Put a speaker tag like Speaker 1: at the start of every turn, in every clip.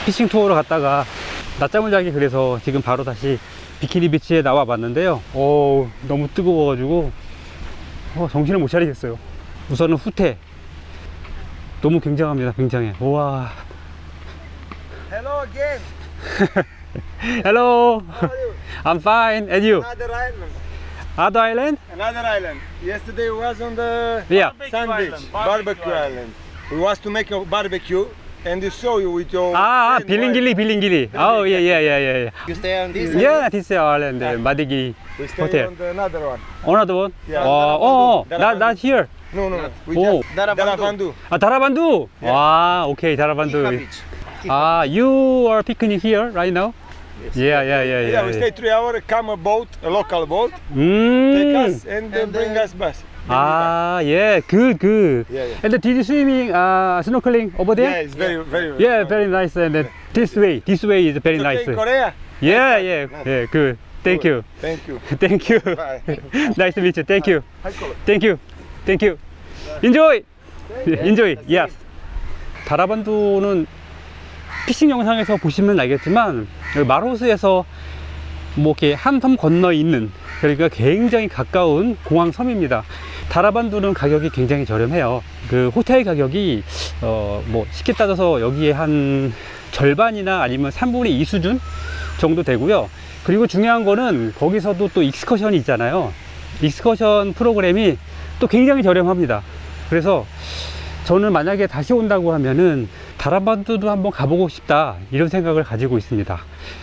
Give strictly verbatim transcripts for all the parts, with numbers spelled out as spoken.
Speaker 1: 피싱 투어로 갔다가 낮잠을 자기 그래서 지금 바로 다시 비키니 비치에 나와 봤는데요. 오, 너무 뜨거워가지고 어, 정신을 못 차리겠어요. 우선은 후퇴 너무 굉장합니다. 굉장해. 우와.
Speaker 2: Hello again.
Speaker 1: Hello.
Speaker 2: How are you?
Speaker 1: I'm fine. And you?
Speaker 2: Another island.
Speaker 1: Other island?
Speaker 2: Another island. Yesterday was on the
Speaker 1: Yeah.
Speaker 2: sand
Speaker 3: Barbecue
Speaker 2: beach,
Speaker 3: island.
Speaker 2: barbecue,
Speaker 3: Barbecue
Speaker 2: island. We was to make a barbecue, and you saw you with your.
Speaker 1: 아,
Speaker 2: friend,
Speaker 1: 빌링길리, 빌링길리. 아, 예, 예, 예, 예.
Speaker 2: You stay on this.
Speaker 1: Yeah, this island, 마디기
Speaker 2: We stay
Speaker 1: hotel.
Speaker 2: on the another one.
Speaker 1: Another one?
Speaker 2: Yeah.
Speaker 1: 어, 어, 어, not, not here.
Speaker 2: No, no, no. We
Speaker 1: Oh.
Speaker 2: just Daravandu.
Speaker 1: 아, 다라반두. 와, 오케이, 다라반두. 아, you are picnic here right now? Yeah, yeah, yeah, yeah.
Speaker 2: Yeah, we stay three hours. Come a boat, a local boat, take
Speaker 1: 음.
Speaker 2: us and, uh, bring us back.
Speaker 1: 아, 예, good, good.
Speaker 2: Yeah, yeah.
Speaker 1: And did you swimming, uh, snorkeling over
Speaker 2: Yeah,
Speaker 1: there?
Speaker 2: it's very, very.
Speaker 1: Yeah, very nice. And then this way, this way is very
Speaker 2: It's okay
Speaker 1: nice.
Speaker 2: in Korea.
Speaker 1: Yeah, yeah, yeah, good. Thank you.
Speaker 2: Thank you.
Speaker 1: Thank you.
Speaker 2: Bye.
Speaker 1: Nice to meet you. Thank you.
Speaker 2: Hi, Kola.
Speaker 1: Thank you. Thank you. Enjoy. Enjoy. Yes. 다라반두는 피싱 영상에서 보시면 알겠지만 여기 마로스에서 뭐 이렇게 한 섬 건너 있는 그러니까 굉장히 가까운 공항 섬입니다. 다라반두는 가격이 굉장히 저렴해요. 그 호텔 가격이 어 뭐 쉽게 따져서 여기에 한 절반이나 아니면 삼분의 이 수준 정도 되고요. 그리고 중요한 거는 거기서도 또 익스커션이 있잖아요. 익스커션 프로그램이 또 굉장히 저렴합니다. 그래서 저는 만약에 다시 온다고 하면은 다라반두도 한번 가보고 싶다 이런 생각을 가지고 있습니다.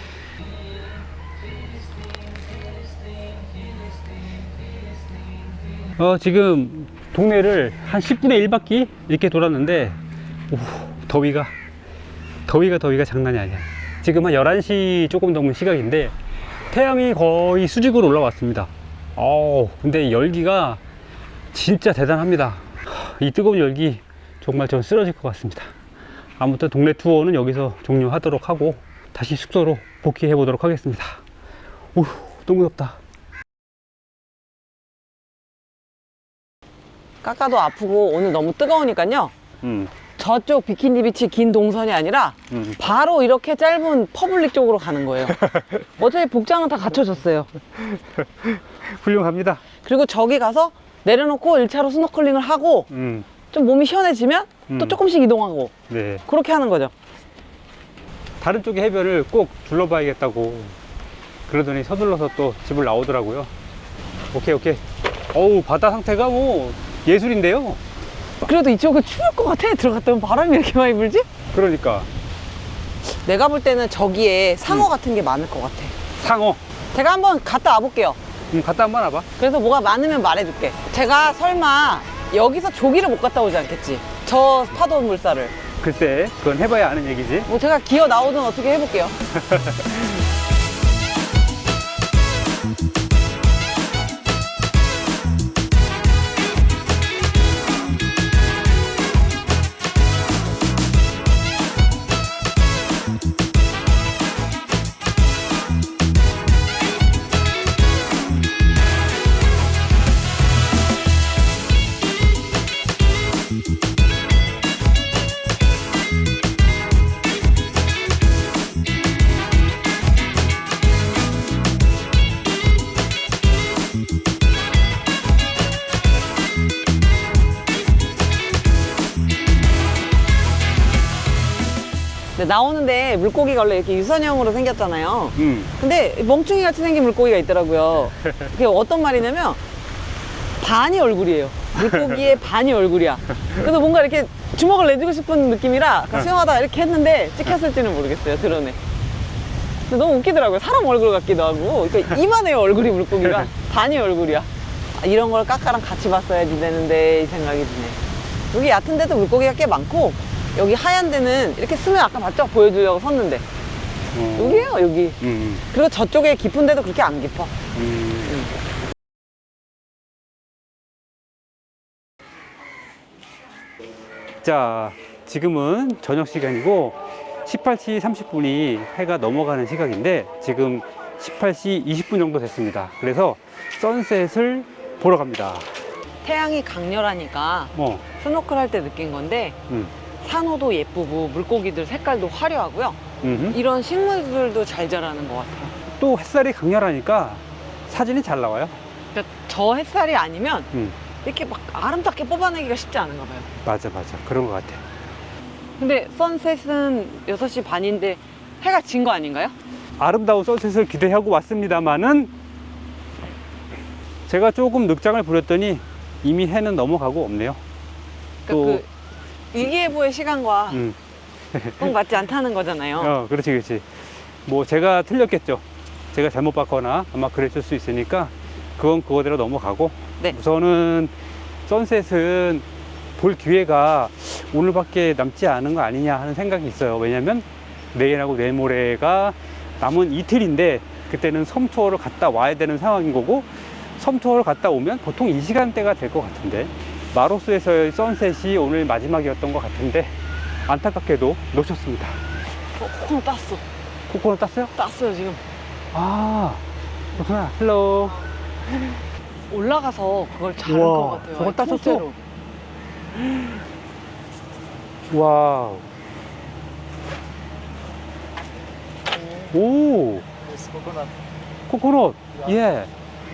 Speaker 1: 어, 지금 동네를 한 십분의 일 바퀴 이렇게 돌았는데 오, 더위가 더위가 더위가 장난이 아니야. 지금 한 열한 시 조금 넘은 시각인데 태양이 거의 수직으로 올라왔습니다. 어우, 근데 열기가 진짜 대단합니다. 이 뜨거운 열기 정말 전 쓰러질 것 같습니다. 아무튼 동네 투어는 여기서 종료하도록 하고 다시 숙소로 복귀해 보도록 하겠습니다. 오, 너무 덥다.
Speaker 4: 깎아도 아프고 오늘 너무 뜨거우니까요.
Speaker 1: 음,
Speaker 4: 저쪽 비키니 비치 긴 동선이 아니라
Speaker 1: 음.
Speaker 4: 바로 이렇게 짧은 퍼블릭 쪽으로 가는 거예요. 어차피 복장은 다 갖춰졌어요.
Speaker 1: 훌륭합니다.
Speaker 4: 그리고 저기 가서 내려놓고 일 차로 스노클링을 하고
Speaker 1: 음,
Speaker 4: 좀 몸이 시원해지면 또
Speaker 1: 음.
Speaker 4: 조금씩 이동하고
Speaker 1: 네.
Speaker 4: 그렇게 하는 거죠.
Speaker 1: 다른 쪽의 해변을 꼭 둘러봐야겠다고 그러더니 서둘러서 또 집을 나오더라고요. 오케이, 오케이. 어우, 바다 상태가 뭐 예술인데요.
Speaker 4: 그래도 이쪽은 추울 것 같아. 들어갔다 오면 바람이 이렇게 많이 불지?
Speaker 1: 그러니까
Speaker 4: 내가 볼 때는 저기에 상어
Speaker 1: 음.
Speaker 4: 같은 게 많을 것 같아.
Speaker 1: 상어.
Speaker 4: 제가 한번 갔다 와볼게요.
Speaker 1: 음, 갔다 한번 와봐.
Speaker 4: 그래서 뭐가 많으면 말해줄게. 제가 설마 여기서 조기를 못 갔다 오지 않겠지? 저 파도 물살을.
Speaker 1: 글쎄, 그건 해봐야 아는 얘기지.
Speaker 4: 뭐 제가 기어 나오든 어떻게 해볼게요. 나오는데 물고기가 원래 이렇게 유선형으로 생겼잖아요.
Speaker 1: 음.
Speaker 4: 근데 멍충이 같이 생긴 물고기가 있더라고요. 그게 어떤 말이냐면 반이 얼굴이에요. 물고기의 반이 얼굴이야. 그래서 뭔가 이렇게 주먹을 내주고 싶은 느낌이라 수영하다가 이렇게 했는데 찍혔을지는 모르겠어요. 드러내. 근데 너무 웃기더라고요. 사람 얼굴 같기도 하고. 그러니까 이만해요, 얼굴이 물고기가. 반이 얼굴이야. 아, 이런 걸 까까랑 같이 봤어야지 되는데 이 생각이 드네. 여기 얕은 데도 물고기가 꽤 많고 여기 하얀 데는 이렇게 쓰면 아까 봤죠? 보여주려고 섰는데
Speaker 1: 어.
Speaker 4: 여기에요, 여기.
Speaker 1: 음.
Speaker 4: 그리고 저쪽에 깊은 데도 그렇게 안 깊어.
Speaker 1: 음. 자, 지금은 저녁 시간이고 십팔 시 삼십 분이 해가 넘어가는 시각인데 지금 십팔 시 이십 분 정도 됐습니다. 그래서 선셋을 보러 갑니다.
Speaker 4: 태양이 강렬하니까
Speaker 1: 어,
Speaker 4: 스노클 할 때 느낀 건데
Speaker 1: 음.
Speaker 4: 산호도 예쁘고 물고기들 색깔도 화려하고요.
Speaker 1: 음흠.
Speaker 4: 이런 식물들도 잘 자라는 것 같아요.
Speaker 1: 또 햇살이 강렬하니까 사진이 잘 나와요.
Speaker 4: 그러니까 저 햇살이 아니면
Speaker 1: 음,
Speaker 4: 이렇게 막 아름답게 뽑아내기가 쉽지 않은가 봐요.
Speaker 1: 맞아, 맞아. 그런 것 같아.
Speaker 4: 근데 선셋은 여섯 시 반인데 해가 진 거 아닌가요?
Speaker 1: 아름다운 선셋을 기대하고 왔습니다만은 제가 조금 늑장을 부렸더니 이미 해는 넘어가고 없네요.
Speaker 4: 그러니까
Speaker 1: 또,
Speaker 4: 그 일기예보의 시간과
Speaker 1: 음,
Speaker 4: 꼭 맞지 않다는 거잖아요.
Speaker 1: 어, 그렇지, 그렇지. 뭐 제가 틀렸겠죠. 제가 잘못 봤거나 아마 그랬을 수 있으니까 그건 그거대로 넘어가고.
Speaker 4: 네.
Speaker 1: 우선은 선셋은 볼 기회가 오늘밖에 남지 않은 거 아니냐 하는 생각이 있어요. 왜냐면 내일하고 내일모레가 남은 이틀인데 그때는 섬 투어를 갔다 와야 되는 상황인 거고, 섬 투어를 갔다 오면 보통 이 시간대가 될 것 같은데 마로스에서의 선셋이 오늘 마지막이었던 것 같은데 안타깝게도 놓쳤습니다.
Speaker 4: 어, 코코넛 땄어.
Speaker 1: 코코넛 땄어요?
Speaker 4: 땄어요 지금.
Speaker 1: 아, 그렇구나. 헬로.
Speaker 4: 올라가서 그걸 자른
Speaker 1: 우와,
Speaker 4: 것 같아요.
Speaker 1: 저걸 땄었어?
Speaker 4: 통째로.
Speaker 1: 와우. 오,
Speaker 2: It's coconut.
Speaker 1: 코코넛. 예.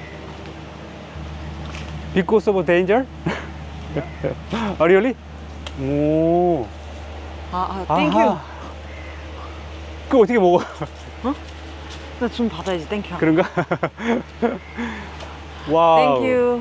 Speaker 1: Because of danger? 아, really? 오.
Speaker 4: 아, 아, 땡큐.
Speaker 1: 아하. 그거 어떻게 먹어?
Speaker 4: 나 좀 받아야지, 땡큐.
Speaker 1: 그런가? 와우.
Speaker 4: 땡큐.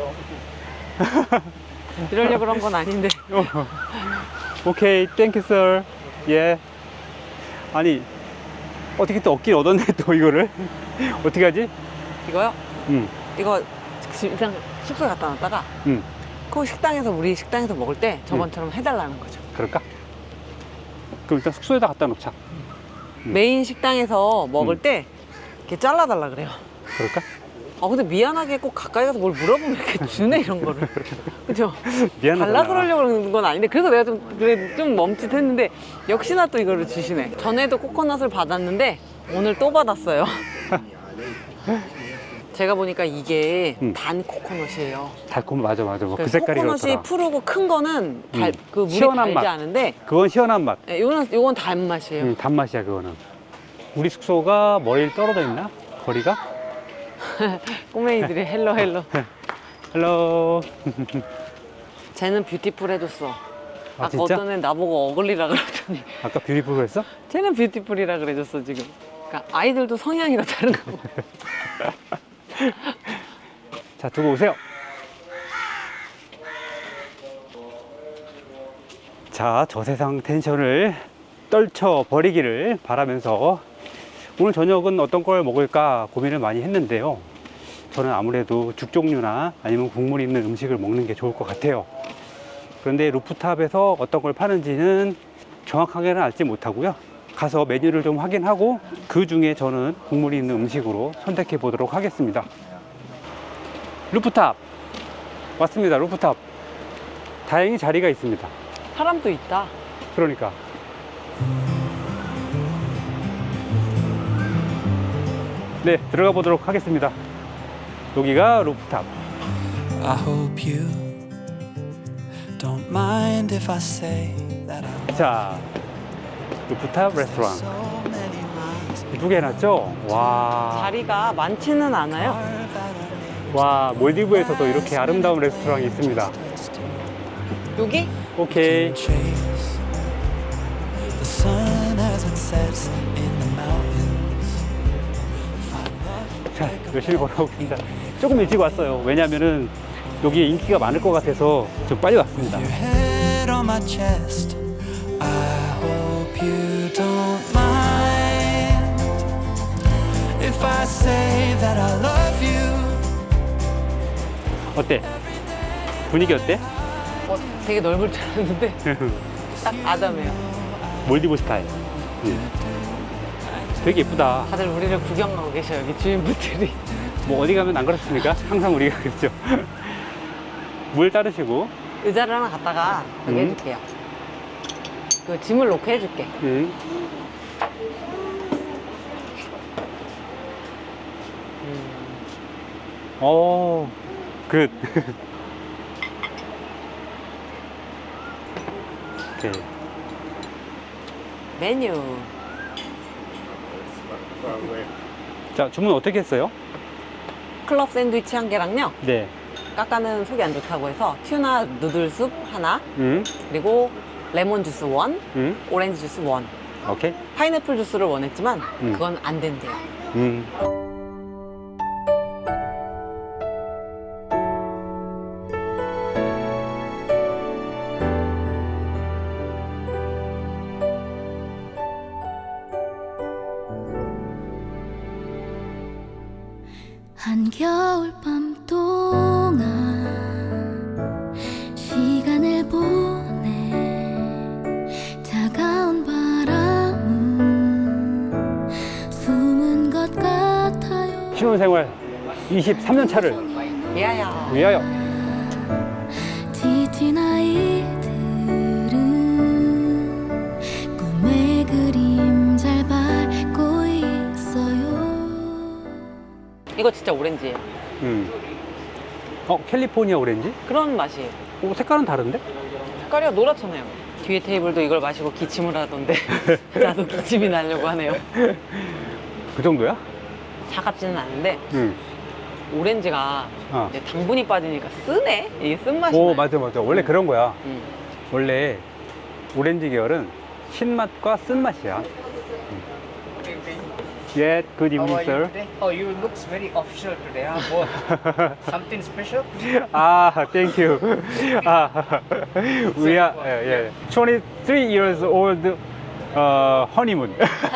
Speaker 4: 이러려고 그런 건 아닌데.
Speaker 1: 오케이, 땡큐 sir. 예. 아니, 어떻게 또 얻긴 얻었네, 또 이거를. 어떻게 하지?
Speaker 4: 이거요?
Speaker 1: 응,
Speaker 4: 이거 지금 일단 숙소에 갖다 놨다가
Speaker 1: 응.
Speaker 4: 그 식당에서 우리 식당에서 먹을 때 저번처럼 해달라는 거죠.
Speaker 1: 그럴까? 그럼 일단 숙소에다 갖다 놓자. 음.
Speaker 4: 메인 식당에서 먹을
Speaker 1: 음.
Speaker 4: 때 이렇게 잘라달라 그래요.
Speaker 1: 그럴까?
Speaker 4: 아 근데 미안하게 꼭 가까이 가서 뭘 물어보면 이렇게 주네 이런 거를. 그죠?
Speaker 1: 미안하다.
Speaker 4: 달라 그러려고 그러는 건 아닌데 그래서 내가 좀 그래 좀 멈칫했는데 역시나 또 이거를 주시네. 전에도 코코넛을 받았는데 오늘 또 받았어요. 제가 보니까 이게
Speaker 1: 음.
Speaker 4: 단 코코넛이에요.
Speaker 1: 달콤, 맞아, 맞아. 뭐 그
Speaker 4: 그래서
Speaker 1: 색깔이
Speaker 4: 코코넛이
Speaker 1: 그렇더라.
Speaker 4: 푸르고 큰 거는 달,
Speaker 1: 음.
Speaker 4: 그 물이
Speaker 1: 시원한
Speaker 4: 달지
Speaker 1: 맛.
Speaker 4: 않은데
Speaker 1: 그건 시원한 맛.
Speaker 4: 예, 요건 요건 단맛이에요.
Speaker 1: 음, 단맛이야, 그거는. 우리 숙소가 멀리 떨어져 있나? 거리가?
Speaker 4: 꼬맹이들이 헬로 헬로.
Speaker 1: 헬로.
Speaker 4: 쟤는 뷰티풀 해줬어.
Speaker 1: 아,
Speaker 4: 아까
Speaker 1: 진짜?
Speaker 4: 어떤 애는 나보고 어글리라 그러더니
Speaker 1: 아까 뷰티풀 그랬어?
Speaker 4: 쟤는 뷰티풀이라 그래줬어 지금. 그러니까 아이들도 성향이 다 다른 거고.
Speaker 1: 자, 두고 오세요. 자, 저 세상 텐션을 떨쳐 버리기를 바라면서 오늘 저녁은 어떤 걸 먹을까 고민을 많이 했는데요. 저는 아무래도 죽 종류나 아니면 국물 있는 음식을 먹는 게 좋을 것 같아요. 그런데 루프탑에서 어떤 걸 파는지는 정확하게는 알지 못하고요. 가서 메뉴를 좀 확인하고 그 중에 저는 국물이 있는 음식으로 선택해 보도록 하겠습니다. 루프탑 왔습니다. 루프탑 다행히 자리가 있습니다.
Speaker 4: 사람도 있다.
Speaker 1: 그러니까 네, 들어가 보도록 하겠습니다. 여기가 루프탑.
Speaker 3: I hope you don't mind if I say that I
Speaker 1: 자, 루프탑 레스토랑
Speaker 3: so many miles
Speaker 1: 이쁘게 해놨죠? 와,
Speaker 4: 자리가 많지는 않아요.
Speaker 1: 와, 몰디브에서도 이렇게 아름다운 레스토랑이 있습니다.
Speaker 4: 여기?
Speaker 1: 오케이.
Speaker 3: chase the sun as it sets in the mountains.
Speaker 1: 자, 열심히 걸어보겠습니다. 조금 일찍 왔어요. 왜냐면은 여기에 인기가 많을 것 같아서 좀 빨리 왔습니다.
Speaker 3: Your head on my chest. I hope you don't mind if I say that I love you.
Speaker 1: 어때? 분위기 어때?
Speaker 4: 어, 되게 넓을 줄 알았는데 딱 아담해요.
Speaker 1: 몰디브 스타일. 음. 되게 예쁘다.
Speaker 4: 다들 우리를 구경하고 계셔요. 여기 주인분들이.
Speaker 1: 뭐 어디 가면 안 그렇습니까? 항상 우리가 그렇죠. 물 따르시고.
Speaker 4: 의자를 하나 갖다가 여기
Speaker 1: 음.
Speaker 4: 해줄게요. 그 짐을 놓게 해줄게.
Speaker 1: 음. 오, 굿. 오케이.
Speaker 4: 메뉴.
Speaker 1: 자, 주문 어떻게 했어요?
Speaker 4: 클럽 샌드위치 한 개랑요.
Speaker 1: 네.
Speaker 4: 까까는 속이 안 좋다고 해서 튜나 누들숲 하나,
Speaker 1: 음,
Speaker 4: 그리고 레몬 주스 원,
Speaker 1: 음,
Speaker 4: 오렌지 주스 원.
Speaker 1: 오케이.
Speaker 4: 파인애플 주스를 원했지만
Speaker 1: 음.
Speaker 4: 그건 안 된대요.
Speaker 1: 음.
Speaker 5: 한겨울밤 동안 시간을 보내 차가운 바람은 숨은 것 같아요.
Speaker 1: 신혼생활 이십삼 년 차를
Speaker 4: 미아야.
Speaker 1: 위하여.
Speaker 5: 지친 아이들은 꿈의 그림 잘 밟고 있어요.
Speaker 4: 이거 진짜 오렌지예요.
Speaker 1: 음. 어, 캘리포니아 오렌지?
Speaker 4: 그런 맛이에요.
Speaker 1: 오, 색깔은 다른데?
Speaker 4: 색깔이 노랗잖아요. 뒤에 테이블도 이걸 마시고 기침을 하던데 나도 기침이 나려고 하네요.
Speaker 1: 그 정도야?
Speaker 4: 차갑지는 않은데
Speaker 1: 음.
Speaker 4: 오렌지가
Speaker 1: 어.
Speaker 4: 이제 당분이 빠지니까 쓰네? 이게 쓴맛이
Speaker 1: 오,
Speaker 4: 나요.
Speaker 1: 맞아, 맞아. 원래 그런 거야.
Speaker 4: 음.
Speaker 1: 원래 오렌지 계열은 신맛과 쓴맛이야. 예, good
Speaker 6: How
Speaker 1: evening,
Speaker 6: are you
Speaker 1: sir.
Speaker 6: today? Oh, you looks very official today, huh? What? Something special?
Speaker 1: Ah, thank you. Ah, we are yeah, yeah. twenty-three years old uh, honeymoon.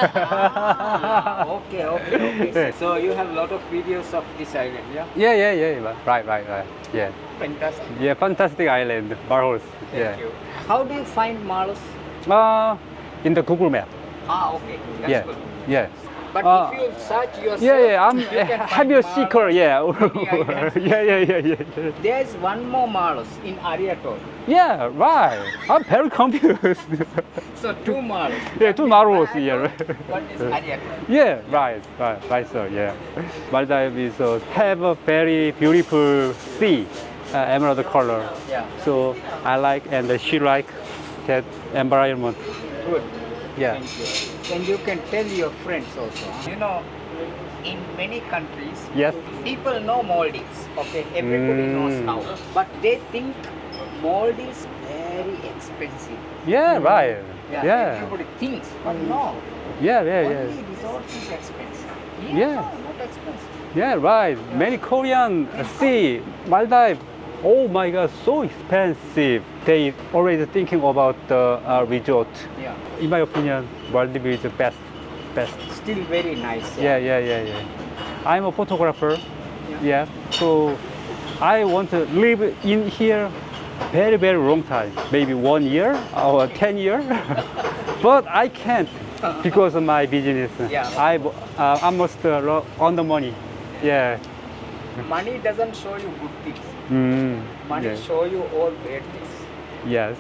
Speaker 6: Ah, okay, okay, okay.
Speaker 1: Yeah.
Speaker 6: So you have a lot of videos of this island, yeah?
Speaker 1: yeah, yeah, yeah. Right, right, right. Yeah,
Speaker 6: Fantastic.
Speaker 1: yeah. Fantastic island, Barros.
Speaker 6: Thank
Speaker 1: Yeah.
Speaker 6: you. How do you find Malus?
Speaker 1: Uh, in the Google Map.
Speaker 6: Ah, okay. That's
Speaker 1: Yeah,
Speaker 6: good.
Speaker 1: yeah.
Speaker 6: But
Speaker 1: Uh,
Speaker 6: if you search yourself,
Speaker 1: Yeah, yeah. I'm
Speaker 6: you can
Speaker 1: a
Speaker 6: find
Speaker 1: heavy
Speaker 6: Malus.
Speaker 1: seeker. Yeah.
Speaker 6: island.
Speaker 1: yeah, yeah, yeah, yeah.
Speaker 6: There's one more Malus in Ariatol.
Speaker 1: Yeah, right. I'm very confused.
Speaker 6: So two Malus.
Speaker 1: Yeah, two Malus, yeah.
Speaker 6: One is Ariatol.
Speaker 1: Yeah, right, right, right, sir. Yeah, Maldives is uh, have a very beautiful sea, uh, emerald color.
Speaker 6: Yeah.
Speaker 1: So I like and she like that environment.
Speaker 6: Good.
Speaker 1: Yeah.
Speaker 6: Thank you. And you can tell your friends also. You know, in many countries,
Speaker 1: Yes.
Speaker 6: people know Maldives. Okay, everybody knows
Speaker 1: Mm.
Speaker 6: how, but they think Maldives very expensive.
Speaker 1: Yeah, right.
Speaker 6: Yeah,
Speaker 1: Yeah.
Speaker 6: everybody thinks, but no.
Speaker 1: Yeah, yeah, yeah.
Speaker 6: Only resorts is expensive.
Speaker 1: Yeah.
Speaker 6: No, not expensive.
Speaker 1: Yeah, right. Many Korean see Maldives. Oh my God, so expensive. They always thinking about the uh, resort.
Speaker 6: Yeah.
Speaker 1: In my opinion, Maldives is the best, best.
Speaker 6: Still very nice.
Speaker 1: Yeah, yeah, yeah, yeah. I'm a photographer. Yeah. So I want to live in here very, very long time. Maybe one year or ten years. But I can't because of my business.
Speaker 6: Yeah.
Speaker 1: I uh, almost uh, lo- on the money. Yeah.
Speaker 6: Money doesn't show you good things.
Speaker 1: Mm.
Speaker 6: Money
Speaker 1: Yeah.
Speaker 6: show you all bad things.
Speaker 1: Yes.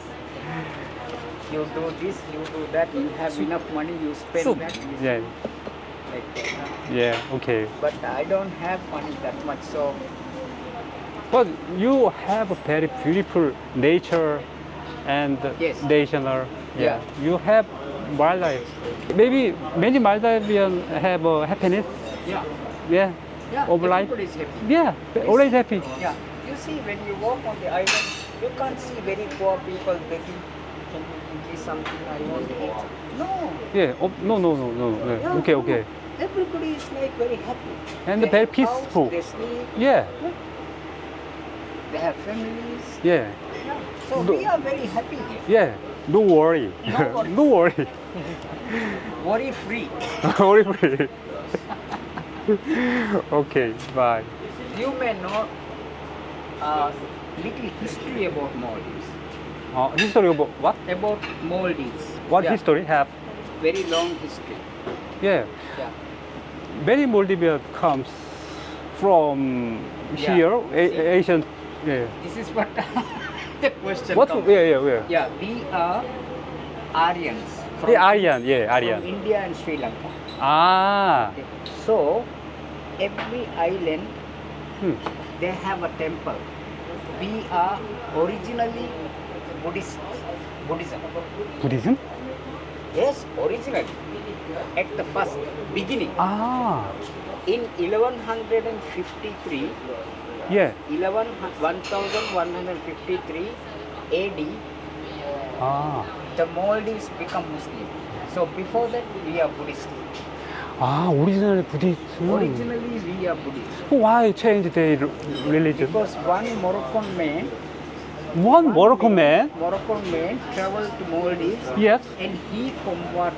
Speaker 6: You do this, you do that. You have enough money, you spend
Speaker 4: Soup.
Speaker 6: that. You
Speaker 1: Yeah.
Speaker 6: like that.
Speaker 1: Yeah. Okay.
Speaker 6: But I don't have money that much, so
Speaker 1: But you have a very beautiful nature and
Speaker 6: Yes.
Speaker 1: national.
Speaker 6: Yeah.
Speaker 1: You have wildlife. Maybe many Maldivians have uh, happiness.
Speaker 6: yeah,
Speaker 1: Yeah.
Speaker 6: yeah.
Speaker 1: Of life.
Speaker 6: Everybody is happy.
Speaker 1: Yeah. Always happy.
Speaker 6: Yeah. You see, when you walk on the island, you can't see very poor people begging. Can you give me something? I want to eat. No.
Speaker 1: Yeah. Oh, no, no, no, no. no.
Speaker 6: Yeah,
Speaker 1: Okay,
Speaker 6: no.
Speaker 1: okay.
Speaker 6: Everybody is like very happy.
Speaker 1: And
Speaker 6: They
Speaker 1: very
Speaker 6: have house,
Speaker 1: peaceful.
Speaker 6: they sleep.
Speaker 1: Yeah.
Speaker 6: They have families.
Speaker 1: Yeah.
Speaker 6: Yeah. So
Speaker 1: No.
Speaker 6: we are very happy here.
Speaker 1: Yeah. No worry.
Speaker 6: No worry.
Speaker 1: no worry.
Speaker 6: Worry free.
Speaker 1: worry free. Okay. Bye.
Speaker 6: You may know uh, little history about Maldives.
Speaker 1: Uh, history about what?
Speaker 6: About Maldives.
Speaker 1: What
Speaker 6: Yeah,
Speaker 1: history have?
Speaker 6: Very long history.
Speaker 1: Yeah.
Speaker 6: Yeah.
Speaker 1: Many Maldivians comes from
Speaker 6: Yeah.
Speaker 1: here, a-
Speaker 6: See.
Speaker 1: Asian. Yeah.
Speaker 6: This is what the question
Speaker 1: What?
Speaker 6: comes.
Speaker 1: Yeah, yeah, yeah.
Speaker 6: Yeah, we are Aryans from,
Speaker 1: Yeah, Aryan. Yeah,
Speaker 6: from
Speaker 1: Aryan.
Speaker 6: India and Sri Lanka.
Speaker 1: Ah.
Speaker 6: Okay. So every island
Speaker 1: Hmm.
Speaker 6: they have a temple. We are originally Buddhist, Buddhism.
Speaker 1: Buddhism?
Speaker 6: Yes, originally. At the first beginning.
Speaker 1: 아,
Speaker 6: In eleven fifty-three,
Speaker 1: 예.
Speaker 6: eleven, eleven fifty-three A D,
Speaker 1: 아,
Speaker 6: the Maldives become Muslim. So before that, we are Buddhist.
Speaker 1: 아, 오리지널 부디스트.
Speaker 6: Originally, we are Buddhist.
Speaker 1: Why change their religion?
Speaker 6: Because one Moroccan man,
Speaker 1: One Moroccan man.
Speaker 6: Moroccan man traveled to Maldives
Speaker 1: Yes.
Speaker 6: and he converted.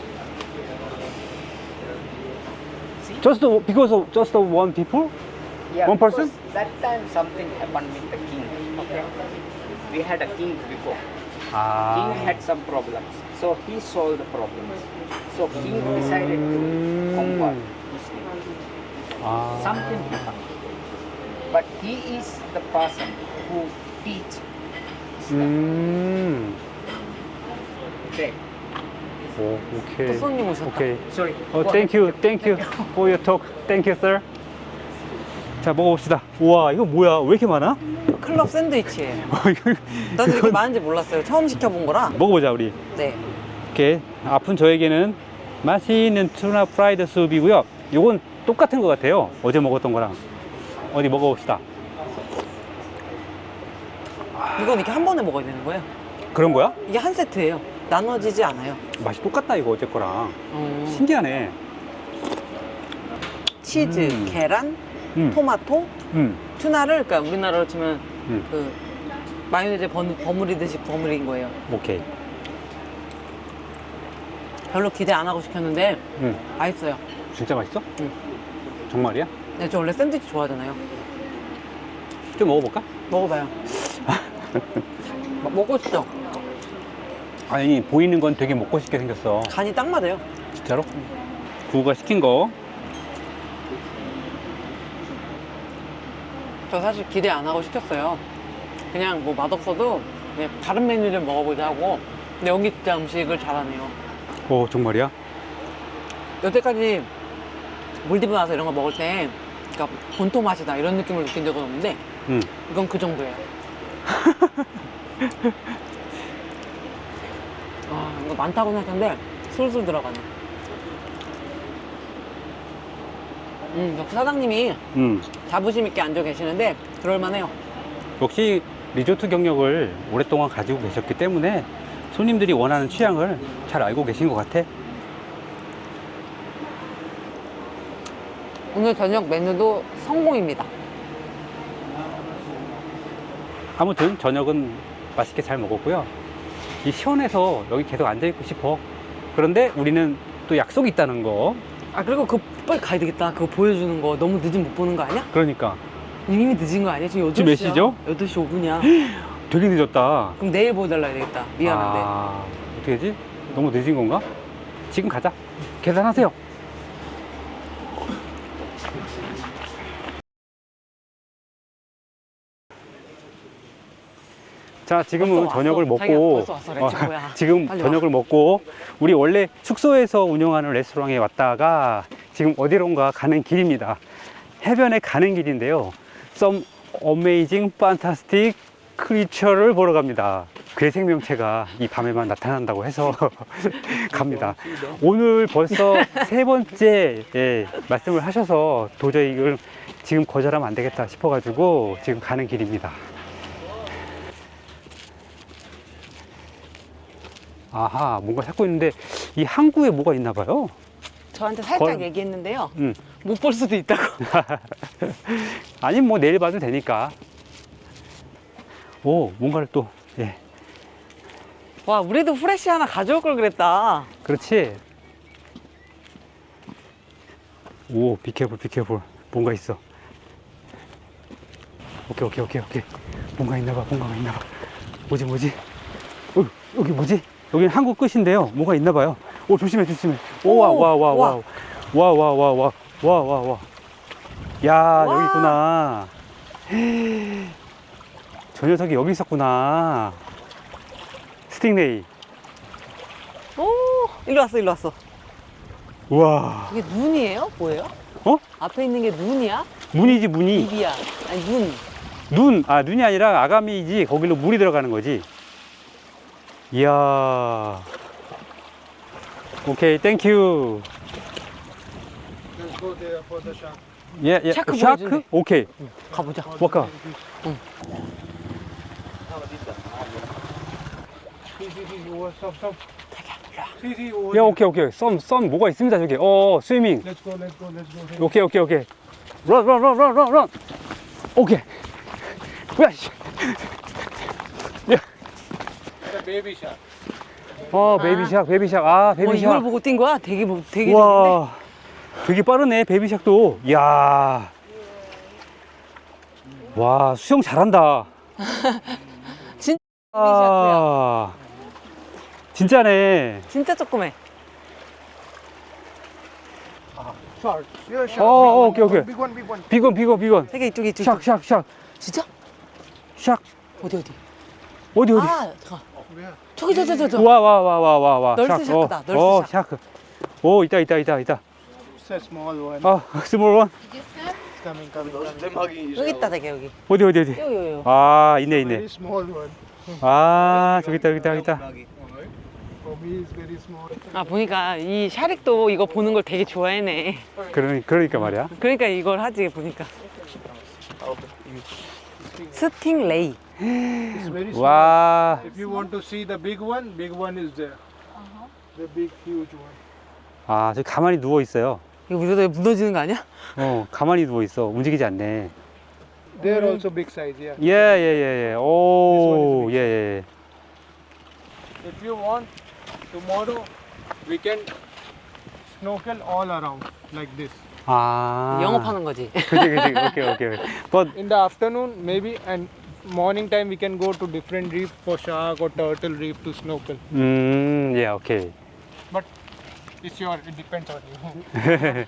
Speaker 1: Just because of just one people?
Speaker 6: Yeah,
Speaker 1: One person?
Speaker 6: because that time something happened with the king. Okay, we had a king before.
Speaker 1: 아.
Speaker 6: King had some problems, so he solved the problems. So king decided to convert Muslim.
Speaker 1: 아.
Speaker 6: Something happened, but he is the person who teach Islam.
Speaker 1: 음.
Speaker 6: Okay.
Speaker 1: 오, 오케이.
Speaker 4: 또 손님 오셨다.
Speaker 1: 오케이.
Speaker 6: Sorry.
Speaker 1: 어,
Speaker 6: Go
Speaker 1: thank
Speaker 6: ahead.
Speaker 1: you, thank you for your talk. Thank you, sir. 자, 먹어봅시다. 우와, 이거 뭐야? 왜 이렇게 많아?
Speaker 4: 클럽 샌드위치예요.
Speaker 1: 이거-
Speaker 4: 난 이렇게
Speaker 1: 이건-
Speaker 4: 많은지 몰랐어요. 처음 시켜본 거라.
Speaker 1: 먹어보자, 우리.
Speaker 4: 네.
Speaker 1: 이렇게 아픈 저에게는 맛있는 투나 프라이드 수프이고요. 이건 똑같은 것 같아요. 어제 먹었던 거랑. 어디 먹어봅시다.
Speaker 4: 이건 이렇게 한 번에 먹어야 되는 거예요.
Speaker 1: 그런 거야?
Speaker 4: 이게 한 세트예요. 나눠지지 않아요.
Speaker 1: 맛이 똑같다, 이거 어제 거랑.
Speaker 4: 어.
Speaker 1: 신기하네.
Speaker 4: 치즈,
Speaker 1: 음.
Speaker 4: 계란,
Speaker 1: 음,
Speaker 4: 토마토,
Speaker 1: 음,
Speaker 4: 투나를 그러니까 우리나라로 치면
Speaker 1: 음.
Speaker 4: 그 마요네즈 번- 버무리듯이 버무린 거예요.
Speaker 1: 오케이.
Speaker 4: 별로 기대 안 하고 시켰는데
Speaker 1: 음,
Speaker 4: 맛있어요.
Speaker 1: 진짜 맛있어?
Speaker 4: 응.
Speaker 1: 정말이야?
Speaker 4: 네, 저 원래 샌드위치 좋아하잖아요.
Speaker 1: 좀 먹어볼까?
Speaker 4: 먹어봐요. 막 먹고 싶죠?
Speaker 1: 아니, 보이는 건 되게 먹고 싶게 생겼어.
Speaker 4: 간이 딱 맞아요.
Speaker 1: 진짜로? 구우가 시킨 거.
Speaker 4: 저 사실 기대 안 하고 시켰어요. 그냥 뭐 맛없어도 그냥 다른 메뉴를 먹어보자 하고. 근데 여기 진짜 음식을 잘하네요.
Speaker 1: 오, 정말이야?
Speaker 4: 여태까지 몰디브 나서 이런 거 먹을 때 그러니까 본토 맛이다 이런 느낌을 느낀 적은 없는데
Speaker 1: 응.
Speaker 4: 이건 그 정도예요. 아, 이거 많다고 생각했는데 술술 들어가네. 음, 역시 사장님이
Speaker 1: 음.
Speaker 4: 자부심 있게 앉아 계시는데 그럴만해요.
Speaker 1: 역시 리조트 경력을 오랫동안 가지고 계셨기 때문에 손님들이 원하는 취향을 잘 알고 계신 것 같아.
Speaker 4: 오늘 저녁 메뉴도 성공입니다.
Speaker 1: 아무튼 저녁은 맛있게 잘 먹었고요. 이 시원해서 여기 계속 앉아있고 싶어. 그런데 우리는 또 약속이 있다는 거.
Speaker 4: 아, 그리고 그거 빨리 가야 되겠다. 그거 보여주는 거 너무 늦으면 못 보는 거 아니야?
Speaker 1: 그러니까
Speaker 4: 이미 늦은 거 아니야? 지금 여덟 시야.
Speaker 1: 지금 몇 시죠?
Speaker 4: 여덟 시 오 분이야.
Speaker 1: 되게 늦었다.
Speaker 4: 그럼 내일 보여달라 해야 되겠다. 미안한데.
Speaker 1: 아, 어떻게 하지? 너무 늦은 건가? 지금 가자. 계산하세요. 자, 지금은
Speaker 4: 벌써 왔어.
Speaker 1: 저녁을
Speaker 4: 자기야,
Speaker 1: 먹고
Speaker 4: 벌써 왔어. 렛츠고야.
Speaker 1: 지금
Speaker 4: 빨리
Speaker 1: 저녁을 먹고 우리 원래 숙소에서 운영하는 레스토랑에 왔다가 지금 어디론가 가는 길입니다. 해변에 가는 길인데요. Some amazing, fantastic creature를 보러 갑니다. 괴 생명체가 이 밤에만 나타난다고 해서 갑니다. 오늘 벌써 세 번째 예, 말씀을 하셔서 도저히 이걸 지금 거절하면 안 되겠다 싶어가지고 지금 가는 길입니다. 아하, 뭔가 찾고 있는데 이 항구에 뭐가 있나 봐요.
Speaker 4: 저한테 살짝
Speaker 1: 걸-
Speaker 4: 얘기했는데요.
Speaker 1: 음.
Speaker 4: 못 볼 수도 있다고.
Speaker 1: 아니 뭐 내일 봐도 되니까. 오, 뭔가를 또, 예,
Speaker 4: 와, 우리도 후레쉬 하나 가져올 걸 그랬다.
Speaker 1: 그렇지. 오, 비케볼, 비케볼. 뭔가 있어. 오케이, 오케이, 오케이, 오케이. 뭔가 있나 봐, 뭔가 있나 봐. 뭐지, 뭐지? 어, 여기 뭐지? 여기는 한국 끝인데요. 뭐가 있나 봐요. 오, 조심해, 조심해. 오, 와, 와, 와, 와. 와, 와, 와, 와. 와, 와, 와. 야,
Speaker 4: 와.
Speaker 1: 여기 있구나. 저 녀석이 여기 있었구나. 스팅레이.
Speaker 4: 오, 일로 왔어, 일로 왔어.
Speaker 1: 우와.
Speaker 4: 이게 눈이에요? 뭐예요?
Speaker 1: 어?
Speaker 4: 앞에 있는 게 눈이야?
Speaker 1: 문이지, 문이.
Speaker 4: 입이야? 아니, 눈.
Speaker 1: 눈, 아, 눈이 아니라 아가미이지. 거기로 물이 들어가는 거지. 이야. 오케이, 땡큐.
Speaker 2: Let's go there for the shark.
Speaker 1: 예, 예.
Speaker 4: 샤크
Speaker 1: 샤크?
Speaker 4: 보여준대.
Speaker 1: 오케이.
Speaker 4: 가보자.
Speaker 1: 워커.
Speaker 2: See, see, see, over, stop, stop. See, see, over.
Speaker 1: 야, 오케이, 오케이. 썸, 썸 뭐가 있습니다, 저기. 어, 스위밍.
Speaker 2: Let's go, let's go, let's go. Here.
Speaker 1: 오케이, 오케이, 오케이. 런, 런, 런, 런, 런, 런. 오케이. 야, 씨. 야.
Speaker 2: The baby shark.
Speaker 1: 어, 베이비샥, 베이비샥. 아,
Speaker 4: 어, 이걸
Speaker 1: 베이비샥.
Speaker 4: 보고 뛴 거야? 되게 뭐- 되게 재밌는데.
Speaker 1: 와, 되게 빠르네, 베이비샥도. 이야. 와, 수영 잘한다.
Speaker 4: 진짜 베이비샥이야.
Speaker 1: 아, 진짜네.
Speaker 4: 진짜 조그매.
Speaker 2: Shark. Yeah, shark.
Speaker 1: Oh,
Speaker 2: Big
Speaker 1: okay,
Speaker 2: one,
Speaker 1: okay.
Speaker 2: Big one, big one.
Speaker 1: 비건, 비건, 비건.
Speaker 4: 되게 이쪽에 이쪽에.
Speaker 1: 샥, 샥, 샥.
Speaker 4: 진짜?
Speaker 1: 샥.
Speaker 4: 어디 어디?
Speaker 1: 어디, 어디?
Speaker 4: 아, 잠깐.
Speaker 2: Where?
Speaker 4: 저기 저 저 저 저.
Speaker 1: 와, 와, 와, 와, 와, 와.
Speaker 4: 널스
Speaker 1: 샥.
Speaker 4: 샤크다,
Speaker 1: 어,
Speaker 4: 널스
Speaker 1: 어,
Speaker 4: 샤크.
Speaker 1: 샤크. 오, 있다, 있다, 있다, 있다.
Speaker 2: It's a small one.
Speaker 1: 아, 스몰 원.
Speaker 2: It's coming, coming, coming.
Speaker 4: 여기 있다 되게 여기.
Speaker 1: 어디, 어디, 어디.
Speaker 4: 여기 여기.
Speaker 1: 아, 있네, 있네.
Speaker 2: Very small one.
Speaker 1: 아, 저기 있다, 여기 있다, 여기 있다.
Speaker 2: For me, it's very small.
Speaker 4: 아 보니까 이 샤릭도 이거 보는 걸 되게 좋아해네.
Speaker 1: 그러니, 그러니까 말이야.
Speaker 4: 그러니까 이걸 하지 보니까. 스팅레이.
Speaker 2: It's very small.
Speaker 1: 와,
Speaker 2: If you want to see the big one, big one is there. The big, huge one.
Speaker 1: 아, 저기 가만히 누워 있어요.
Speaker 4: 이거 이러다 무너지는 거 아니야?
Speaker 1: 어, 가만히 누워 있어. 움직이지 않네.
Speaker 2: They're also big size, yeah.
Speaker 1: 예, 예, 예, 예. 오, 예, 예.
Speaker 2: If you want, tomorrow we can snorkel all around like this.
Speaker 1: 아.
Speaker 4: 영업하는 거지.
Speaker 1: 그지, 그지. 오케이, 오케이. But,
Speaker 2: In the afternoon, maybe, and morning time we can go to different reef for shark or turtle reef to snorkel.
Speaker 1: 음, 예, 오케이.
Speaker 2: But it's your, it depends on you.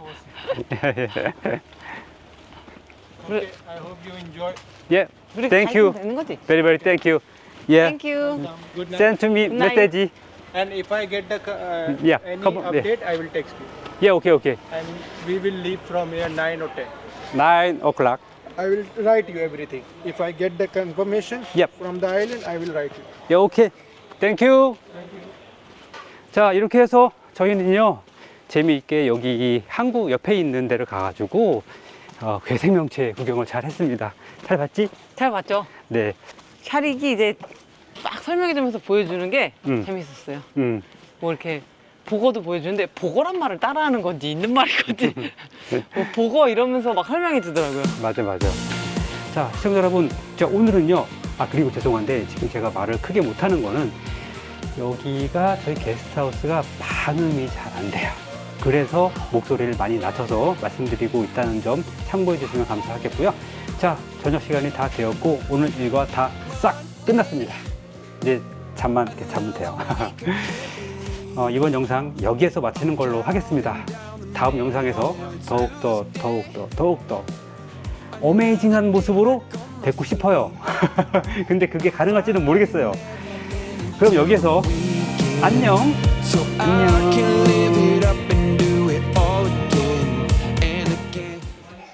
Speaker 2: Okay, I hope you enjoy.
Speaker 1: 예,
Speaker 4: 우리
Speaker 1: thank
Speaker 4: 다
Speaker 1: you.
Speaker 4: 있으면 되는 거지.
Speaker 1: Very, very thank you. 예.
Speaker 4: Thank you.
Speaker 2: Um, good night.
Speaker 1: Send to me
Speaker 4: Good night.
Speaker 1: message.
Speaker 2: And if I get the uh,
Speaker 1: Yeah,
Speaker 2: any
Speaker 1: come on, yeah.
Speaker 2: update, I will text you.
Speaker 1: 예, 오케이, 오케이.
Speaker 2: And we will leave from here nine or ten.
Speaker 1: nine o'clock.
Speaker 2: I will write you everything. If I get the confirmation
Speaker 1: Yep.
Speaker 2: from the island, I will write you.
Speaker 1: 예, 오케이. Thank you. 자, 이렇게 해서 저희는요, 재미있게 여기 이 항구 옆에 있는 데를 가가지고, 어, 괴생명체 구경을 잘 했습니다. 잘 봤지?
Speaker 4: 잘 봤죠?
Speaker 1: 네.
Speaker 4: 샤릭이 이제 막 설명해주면서 보여주는 게
Speaker 1: 음.
Speaker 4: 재밌었어요.
Speaker 1: 음.
Speaker 4: 뭐 이렇게 보고도 보여주는데 보고란 말을 따라하는 건지 있는 말인 건지 뭐 보고 이러면서 막 설명해 주더라고요.
Speaker 1: 맞아, 맞아. 자, 시청자 여러분, 자, 오늘은요, 아, 그리고 죄송한데, 지금 제가 말을 크게 못하는 거는, 여기가 저희 게스트하우스가 반음이 잘 안 돼요. 그래서 목소리를 많이 낮춰서 말씀드리고 있다는 점 참고해 주시면 감사하겠고요. 자, 저녁 시간이 다 되었고, 오늘 일과 다 싹 끝났습니다. 이제 잠만 이렇게 자면 돼요. 어, 이번 영상 여기에서 마치는 걸로 하겠습니다. 다음 영상에서 더욱더 더욱더 더욱더 어메이징한 모습으로 뵙고 싶어요. 근데 그게 가능할지는 모르겠어요. 그럼 여기에서 안녕.
Speaker 3: So I can live here